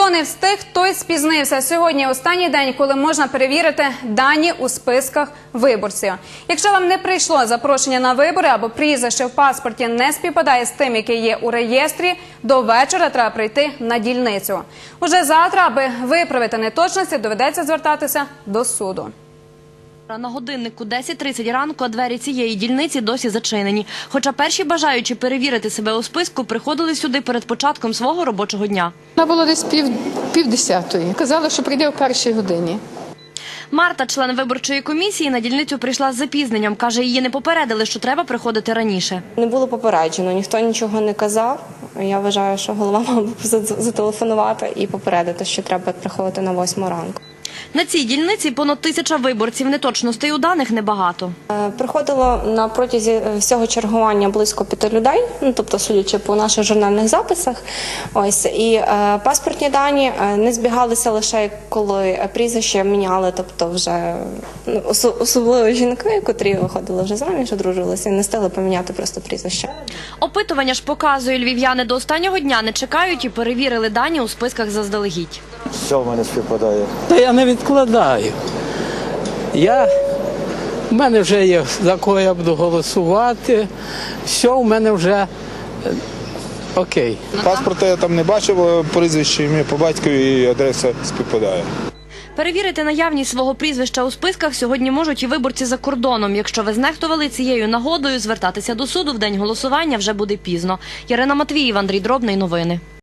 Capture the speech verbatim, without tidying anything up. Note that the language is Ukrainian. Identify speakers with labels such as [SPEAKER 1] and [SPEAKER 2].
[SPEAKER 1] Хто не встиг, той спізнився. Сьогодні останній день, коли можна перевірити дані у списках виборців. Якщо вам не прийшло запрошення на вибори або прізвище в паспорті не співпадає з тим, яке є у реєстрі, до вечора треба прийти на дільницю. Уже завтра, аби виправити неточності, доведеться звертатися до суду.
[SPEAKER 2] На годиннику десять тридцять ранку, а двері цієї дільниці досі зачинені. Хоча перші бажаючі перевірити себе у списку приходили сюди перед початком свого робочого дня.
[SPEAKER 3] Вона була десь пів, пів десятої. Казала, що прийде о першій годині.
[SPEAKER 2] Марта, член виборчої комісії, на дільницю прийшла з запізненням. Каже, її не попередили, що треба приходити раніше.
[SPEAKER 4] Не було попереджено, ніхто нічого не казав. Я вважаю, що голова мав би зателефонувати і попередити, що треба приходити на восьму ранку.
[SPEAKER 2] На цій дільниці понад тисяча виборців. Неточностей у даних небагато.
[SPEAKER 4] Приходило на протязі всього чергування близько п'яти людей, ну, тобто, судячи по наших журнальних записах. Ось, і е, паспортні дані не збігалися лише коли прізвище міняли, тобто вже ну, особливо жінки, котрі виходили вже заміж, одружилися і не встигли поміняти просто прізвище.
[SPEAKER 2] Опитування ж показує, львів'яни до останнього дня не чекають і перевірили дані у списках заздалегідь.
[SPEAKER 5] Все в мене співпадає.
[SPEAKER 6] Та я не відкладаю. Я, в мене вже є, за кого я буду голосувати. Все, в мене вже окей.
[SPEAKER 7] Паспорта я там не бачив, прізвище, ім'я по батькові і адреса співпадає.
[SPEAKER 2] Перевірити наявність свого прізвища у списках сьогодні можуть і виборці за кордоном. Якщо ви знехтували цією нагодою, звертатися до суду в день голосування вже буде пізно. Ярина Матвіїв, Андрій Дробний. Новини.